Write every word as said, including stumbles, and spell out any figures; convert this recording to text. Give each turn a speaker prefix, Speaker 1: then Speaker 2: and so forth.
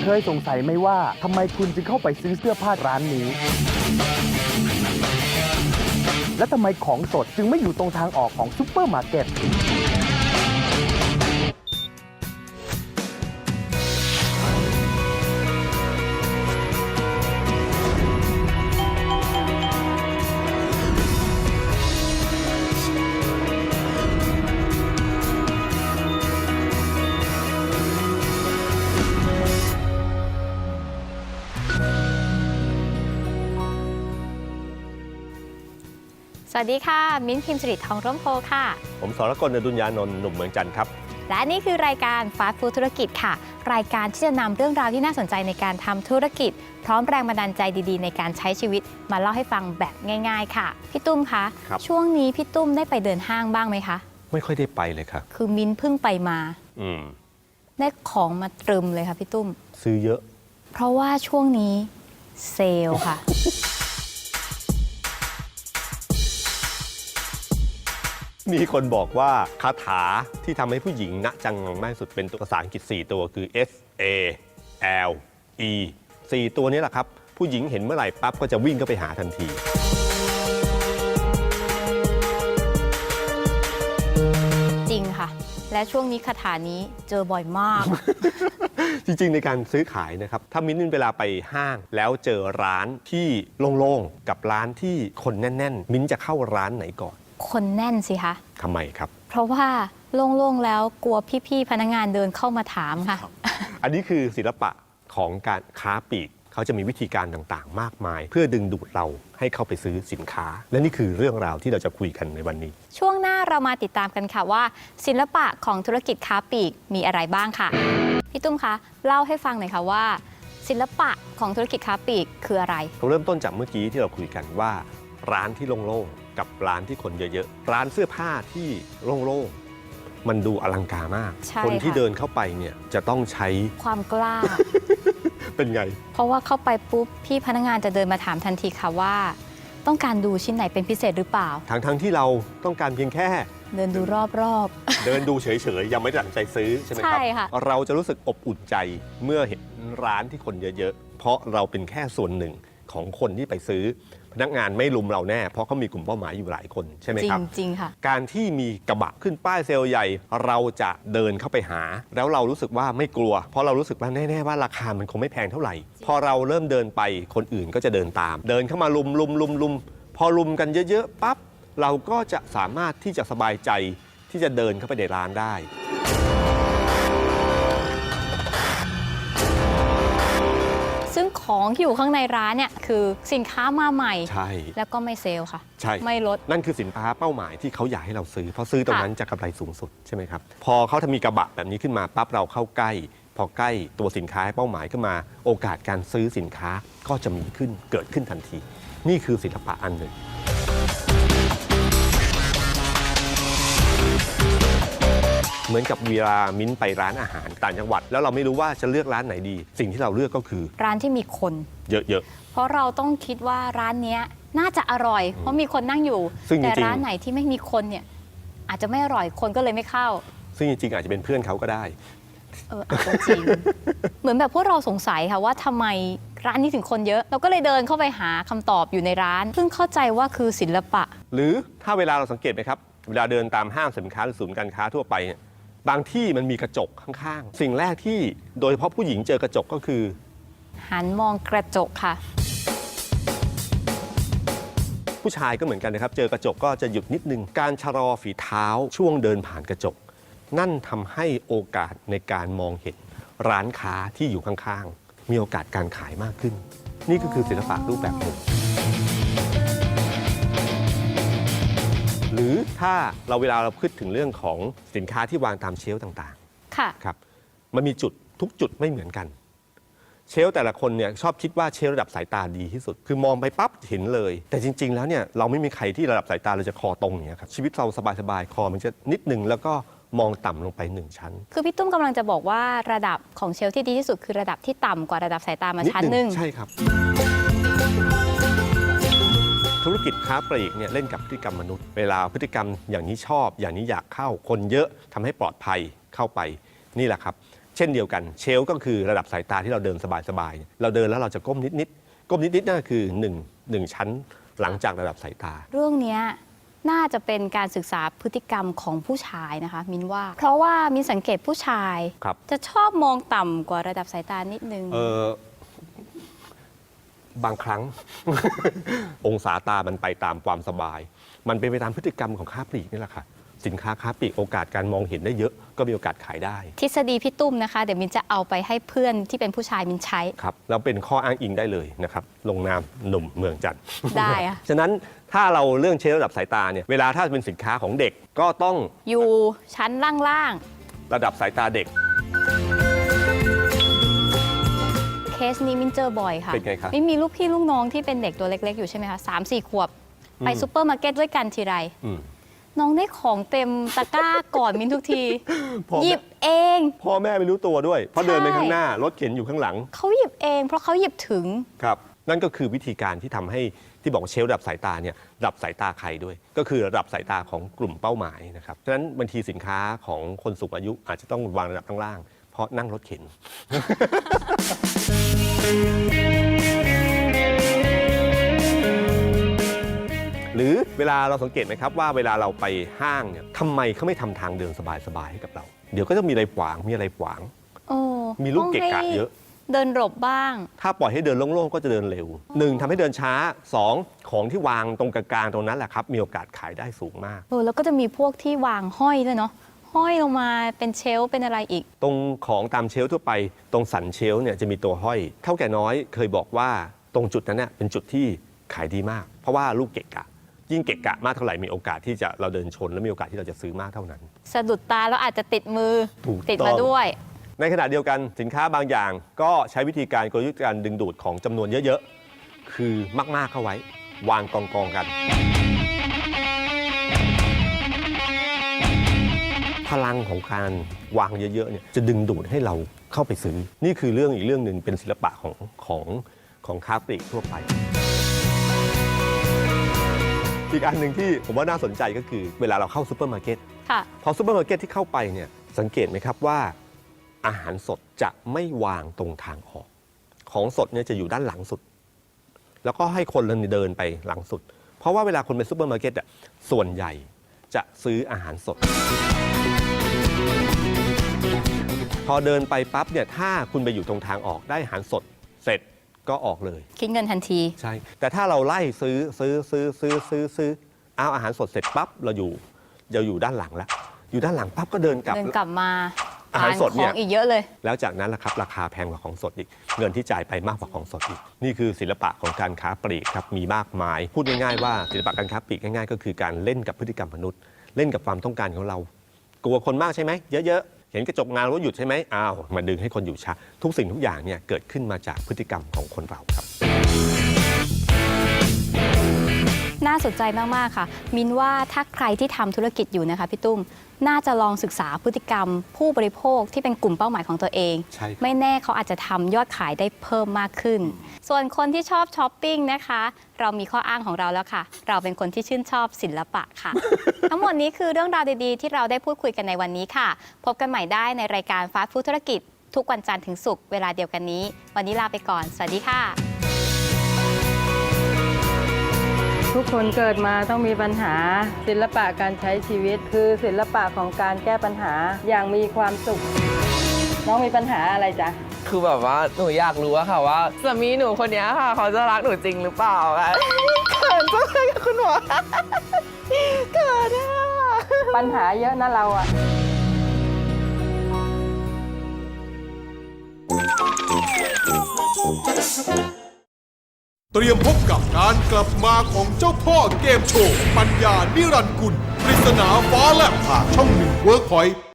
Speaker 1: ยสงสัยไหมว่าทำไมคุณจึงเข้าไปซื้อเสื้อผ้าร้านนี้ และทำไมของสดจึงไม่อยู่ตรงทางออกของซุปเปอร์มาร์เก็ต
Speaker 2: สวัสดีค่ะมิ้นท์พิมพ์สิริทองร่มโพค่ะ
Speaker 3: ผมสรกล อดุลยานนท์หนุ่มเมืองจันทร์ครับ
Speaker 2: และนี่คือรายการฟาสต์ฟู้ดธุรกิจค่ะรายการที่จะนำเรื่องราวที่น่าสนใจในการทำธุรกิจพร้อมแรงบันดาลใจดีๆในการใช้ชีวิตมาเล่าให้ฟังแบบง่ายๆค่ะพี่ตุ้มคะช่วงนี้พี่ตุ้มได้ไปเดินห้างบ้างไหมคะ
Speaker 3: ไม่ค่อยได้ไปเลยครับ
Speaker 2: คือมิ้นท์เพิ่งไปมา
Speaker 3: อืม
Speaker 2: ได้ของมาตรึมเลยค่ะพี่ตุ้ม
Speaker 3: ซื้อเยอะ
Speaker 2: เพราะว่าช่วงนี้เซลล์ค่ะ
Speaker 3: มีคนบอกว่าคาถาที่ทำให้ผู้หญิงณจังงังมากที่สุดเป็นตัวภาษาอังกฤษสี่ตัวคือ S A L E สี่ตัวนี้แหละครับผู้หญิงเห็นเมื่อไหร่ปั๊บก็จะวิ่งเข้าไปหาทันที
Speaker 2: จริงค่ะและช่วงนี้คาถานี้เจอบ่อยมาก
Speaker 3: จริงๆในการซื้อขายนะครับถ้ามิ้นเวลาไปห้างแล้วเจอร้านที่โล่งๆกับร้านที่คนแน่นๆมิ้นจะเข้าร้านไหนก่อน
Speaker 2: คนแน่นสิคะ
Speaker 3: ทำไมครับ
Speaker 2: เพราะว่าโล่งๆแล้วกลัวพี่ๆพนักงานเดินเข้ามาถามค่ะ
Speaker 3: อันนี้คือศิลปะของการค้าปลีกเขาจะมีวิธีการต่างๆมากมายเพื่อดึงดูดเราให้เข้าไปซื้อสินค้าและนี่คือเรื่องราวที่เราจะคุยกันในวันนี้
Speaker 2: ช่วงหน้าเรามาติดตามกันค่ะว่าศิลปะของธุรกิจค้าปลีกมีอะไรบ้างค่ะพี่ตุ้มคะเล่าให้ฟังหน่อยค่ะว่าศิลปะของธุรกิจค้าปลีกคืออะไร
Speaker 3: เราเริ่มต้นจากเมื่อกี้ที่เราคุยกันว่าร้านที่โล่งๆกับร้านที่คนเยอะๆร้านเสื้อผ้าที่โล่งๆมันดูอลังการมากคนที่เดินเข้าไปเนี่ยจะต้องใช้
Speaker 2: ความกล้า
Speaker 3: เป็นไง
Speaker 2: เพราะว่าเข้าไปปุ๊บพี่พนักงานจะเดินมาถามทันทีค่ะว่าต้องการดูชิ้นไหนเป็นพิเศษหรือเปล่า
Speaker 3: ทั้งๆที่เราต้องการเพียงแค่
Speaker 2: เดินดูรอบ
Speaker 3: ๆ เดินดูเฉยๆยังไม่ตัดสินใจซื้อใช่ไหมครับเราจะรู้สึกอบอุ่นใจเมื่อเห็นร้านที่คนเยอะๆเพราะเราเป็นแค่ส่วนหนึ่งของคนที่ไปซื้อพนักงานไม่ลุมเราแน่เพราะเขามีกลุ่มเป้าหมายอยู่หลายคนใช่ไหมครับ
Speaker 2: จริงๆค่ะ
Speaker 3: การที่มีกระบะขึ้นป้ายเซลล์ใหญ่เราจะเดินเข้าไปหาแล้วเรารู้สึกว่าไม่กลัวเพราะเรารู้สึกว่าแน่ๆว่าราคามันคงไม่แพงเท่าไหร่พอเราเริ่มเดินไปคนอื่นก็จะเดินตามเดินเข้ามาลุมลุมลุมลุมพอลุมกันเยอะๆปั๊บเราก็จะสามารถที่จะสบายใจที่จะเดินเข้าไปในร้านได้
Speaker 2: ซึ่งของที่อยู่ข้างในร้านเนี่ยคือสินค้ามาใหม่
Speaker 3: ใช่
Speaker 2: แล้วก็ไม่เซลล์ค่ะ
Speaker 3: ใช่
Speaker 2: ไม่ลด
Speaker 3: นั่นคือสินค้าเป้าหมายที่เขาอยากให้เราซื้อเพราะซื้อตรงนั้นจะกำไรสูงสุดใช่ไหมครับพอเขาทำมีกระบะแบบนี้ขึ้นมาปั๊บเราเข้าใกล้พอใกล้ตัวสินค้าเป้าหมายขึ้นมาโอกาสการซื้อสินค้าก็จะมีขึ้นเกิดขึ้นทันทีนี่คือศิลปะอันหนึ่งเหมือนกับเวลามิ้นไปร้านอาหารต่างจังหวัดแล้วเราไม่รู้ว่าจะเลือกร้านไหนดีสิ่งที่เราเลือกก็คือ
Speaker 2: ร้านที่มีคน
Speaker 3: เยอะ
Speaker 2: ๆเพราะเราต้องคิดว่าร้านนี้น่าจะอร่อยเพราะมีคนนั่งอยู่แต่ร้านไหนที่ไม่มีคนเนี่ยอาจจะไม่อร่อยคนก็เลยไม่เข้า
Speaker 3: ซึ่งจริงๆอาจจะเป็นเพื่อนเขาก็ได้
Speaker 2: เออจริง เหมือนแบบพวกเราสงสัยค่ะว่าทำไมร้านนี้ถึงคนเยอะเราก็เลยเดินเข้าไปหาคำตอบอยู่ในร้านเพิ่งเข้าใจว่าคือศิลปะ
Speaker 3: หรือถ้าเวลาเราสังเกตไหมครับเวลาเดินตามห้างสินค้าหรือศูนย์การค้าทั่วไปเนี่ยบางที่มันมีกระจกข้างๆสิ่งแรกที่โดยเฉพาะผู้หญิงเจอกระจกก็คือ
Speaker 2: หันมองกระจกค่ะ
Speaker 3: ผู้ชายก็เหมือนกันนะครับเจอกระจกก็จะหยุดนิดนึงการชะลอฝีเท้าช่วงเดินผ่านกระจกนั่นทำให้โอกาสในการมองเห็นร้านค้าที่อยู่ข้างๆมีโอกาสการขายมากขึ้นนี่ก็คือศิลปะรูปแบบหนึ่งหรือถ้าเราเวลาเราพูดถึงเรื่องของสินค้าที่วางตามเชลฟ์ต่าง
Speaker 2: ๆค่ะ
Speaker 3: ครับมันมีจุดทุกจุดไม่เหมือนกันเชลฟ์แต่ละคนเนี่ยชอบคิดว่าเชลฟ์ระดับสายตาดีที่สุดคือมองไปปั๊บเห็นเลยแต่จริงๆแล้วเนี่ยเราไม่มีใครที่ระดับสายตาเราจะคอตรงอย่างเงี้ยครับชีวิตเราสบายๆคอมันจะนิดนึงแล้วก็มองต่ำลงไปหนึ่งชั้น
Speaker 2: คือพี่ตุ้มกำลังจะบอกว่าระดับของเชลฟ์ที่ดีที่สุดคือระดับที่ต่ำกว่าระดับสายตามาชั้นหนึ่ง
Speaker 3: ใช่ครับธุรกิจค้าปลีกเนี่ยเล่นกับพฤติกรรมมนุษย์เวลาพฤติกรรมอย่างนี้ชอบอย่างนี้อยากเข้าคนเยอะทำให้ปลอดภัยเข้าไปนี่แหละครับเเช่นเดียวกันเชลก็คือระดับสายตาที่เราเดินสบายๆเราเดินแล้วเราจะก้มนิดๆก้มนิดๆนั่นคือหนึ่งหนึ่งชั้นหลังจากระดับสายตา
Speaker 2: เรื่องนี้น่าจะเป็นการศึกษาพฤติกรรมของผู้ชายนะคะมินว่า เพราะว่ามินสังเกตผู้ชายจะชอบมองต่ำกว่าระดับสายตานิดนึง
Speaker 3: เออบางครั้ง องศาตามันไปตามความสบาย มันเป็นไปตามพฤติกรรมของค้าปลีกนี่แหละค่ะสินค้าค้าปลีกโอกาสการมองเห็นได้เยอะก็มีโอกาสขายได้
Speaker 2: ทฤษฎีพี่ตุ้มนะคะเดี๋ยวมินจะเอาไปให้เพื่อนที่เป็นผู้ชายมินใช้
Speaker 3: ครับแล้วเป็นข้ออ้างอิงได้เลยนะครับลงนามหนุ่มเมืองจันทร์
Speaker 2: ได้อะ
Speaker 3: ฉะนั้นถ้าเราเรื่องเชลระดับสายตาเนี่ยเวลาถ้าเป็นสินค้าของเด็กก็ต้อง
Speaker 2: อยู่ชั้นล่าง
Speaker 3: ๆระดับสายตาเด็ก
Speaker 2: เคสนี้มินเจอบ่อยค่ะ
Speaker 3: เป็นไงครับ
Speaker 2: มินมีลูกพี่ลูกน้องที่เป็นเด็กตัวเล็กๆอยู่ใช่ไหมคะสามสี่ขวบไปซูเปอร์มาร์เก็ตด้วยกันทีไรน้องได้ของเต็มตะกร้าก่อนมินทุกทีหยิบเอง
Speaker 3: พ่อแม่ไม่รู้ตัวด้วยเพราะเดินไปข้างหน้ารถเข็นอยู่ข้างหลัง
Speaker 2: เขาหยิบเองเพราะเขาหยิบถึง
Speaker 3: ครับนั่นก็คือวิธีการที่ทำให้ที่บอกเชลระดับสายตาเนี่ยระดับสายตาใครด้วยก็คือระดับสายตาของกลุ่มเป้าหมายนะครับฉะนั้นบางทีสินค้าของคนสูงอายุอาจจะต้องวางระดับข้างล่างเพราะนั่งรถเข็น หรือเวลาเราสังเกตไหมครับว่าเวลาเราไปห้างเนี่ยทำไมเขาไม่ทำทางเดินสบายๆให้กับเราเดี๋ยวก็จะมีอะไรขวางมีอะไรขวางมีลูกเกะกะเยอะ
Speaker 2: เดินหลบบ้าง
Speaker 3: ถ้าปล่อยให้เดินโล่งๆก็จะเดินเร็วหนึ่งทำให้เดินช้าสองของที่วางตรงกลางๆตรงนั้นแหละครับมีโอกาสขายได้สูงมาก
Speaker 2: เออแล้วก็จะมีพวกที่วางห้อยด้วยเนาะห้อยลงมาเป็นเชลฟ์เป็นอะไรอีก
Speaker 3: ตรงของตามเชลฟ์ทั่วไปตรงสันเชลฟ์เนี่ยจะมีตัวห้อยเท่าแก่น้อยเคยบอกว่าตรงจุดนั้นเนี่ยเป็นจุดที่ขายดีมากเพราะว่าลูกเกะกะยิ่งเกะกะมากเท่าไหร่มีโอกาสที่จะเราเดินชนและมีโอกาสที่เราจะซื้อมากเท่านั้น
Speaker 2: สะดุดตาแล้วอาจจะติดมือติดมาด้วย
Speaker 3: ในขณะเดียวกันสินค้าบางอย่างก็ใช้วิธีการกลยุทธ์การดึงดูดของจำนวนเยอะๆคือมากๆเข้าไว้วางกองๆกันพลังของการวางเยอะๆเนี่ยจะดึงดูดให้เราเข้าไปซื้อนี่คือเรื่องอีกเรื่องหนึ่งเป็นศิลปะของของของค้าปลีกทั่วไปอีกอันหนึ่งที่ผมว่าน่าสนใจก็คือเวลาเราเข้าซูเปอร์มาร์เก็ตพอซูเปอร์มาร์เก็ตที่เข้าไปเนี่ยสังเกตไหมครับว่าอาหารสดจะไม่วางตรงทางออกของสดเนี่ยจะอยู่ด้านหลังสุดแล้วก็ให้คนเดินไปหลังสุดเพราะว่าเวลาคนไปซูเปอร์มาร์เก็ตอ่ะส่วนใหญ่จะซื้ออาหารสดพอเดินไปปั๊บเนี่ยถ้าคุณไปอยู่ตรงทางออกได้อาหารสดเสร็จก็ออกเลย
Speaker 2: คิดเงินทันที
Speaker 3: ใช่แต่ถ้าเราไล่ซื้อซื้อซื้อซื้อซื้อซื้อเอาอาหารสดเสร็จปั๊บเราอยู่เราอยู่ด้านหลังแล้วอยู่ด้านหลังปั๊บก็เดินกลับ
Speaker 2: เดินกลับมา
Speaker 3: อาหารสดเนี่ย
Speaker 2: อีกเยอะเลย
Speaker 3: แล้วจากนั้นล่ะครับราคาแพงกว่าของสดอีกเงินที่จ่ายไปมากกว่าของสดอีกนี่คือศิลปะของการค้าปลีกครับมีมากมายพูดง่ายๆว่าศิลปะการค้าปลีกง่ายๆก็คือการเล่นกับพฤติกรรมมนุษย์เล่นกับความต้องการของเรากลัวคนมากใช่ไหมเยอะๆเห็นกระจกงานว่าหยุดใช่ไหมอ้าวมาดึงให้คนอยู่ช้าทุกสิ่งทุกอย่างเนี่ยเกิดขึ้นมาจากพฤติกรรมของคนเราครับ
Speaker 2: น่าสนใจมากๆค่ะมินว่าถ้าใครที่ทำธุรกิจอยู่นะคะพี่ตุ้มน่าจะลองศึกษาพฤติกรรมผู้บริโภคที่เป็นกลุ่มเป้าหมายของตัวเองไม่แน่เขาอาจจะทำยอดขายได้เพิ่มมากขึ้นส่วนคนที่ชอบช้อปปิ้งนะคะเรามีข้ออ้างของเราแล้วค่ะเราเป็นคนที่ชื่นชอบศิลปะค่ะ ทั้งหมดนี้คือเรื่องราวดีๆที่เราได้พูดคุยกันในวันนี้ค่ะพบกันใหม่ได้ในรายการฟาสต์ฟู้ดธุรกิจทุกวันจันทร์ถึงศุกร์เวลาเดียวกันนี้วันนี้ลาไปก่อนสวัสดีค่ะ
Speaker 4: ทุกคนเกิดมาต้องมีปัญหาศิลปะการใช้ชีวิตคือศิลปะของการแก้ปัญหาอย่างมีความสุขน้องมีปัญหาอะไรจ๊ะ
Speaker 5: คือแบบว่าหนูอยากรู้อะค่ะว่าสามีหนูคนนี้ค่ะเขาจะรักหนูจริงหรือเปล่าคะเขินจังเลยคุณหมอเขินอะ
Speaker 4: ปัญหาเยอะนะเราอะ
Speaker 6: เตรียมพบกับการกลับมาของเจ้าพ่อเกมโชว์ปัญญานิรันดร์กุลปริศนาฟ้าแลบผ่าช่องหนึ่งเวิร์กพอยต์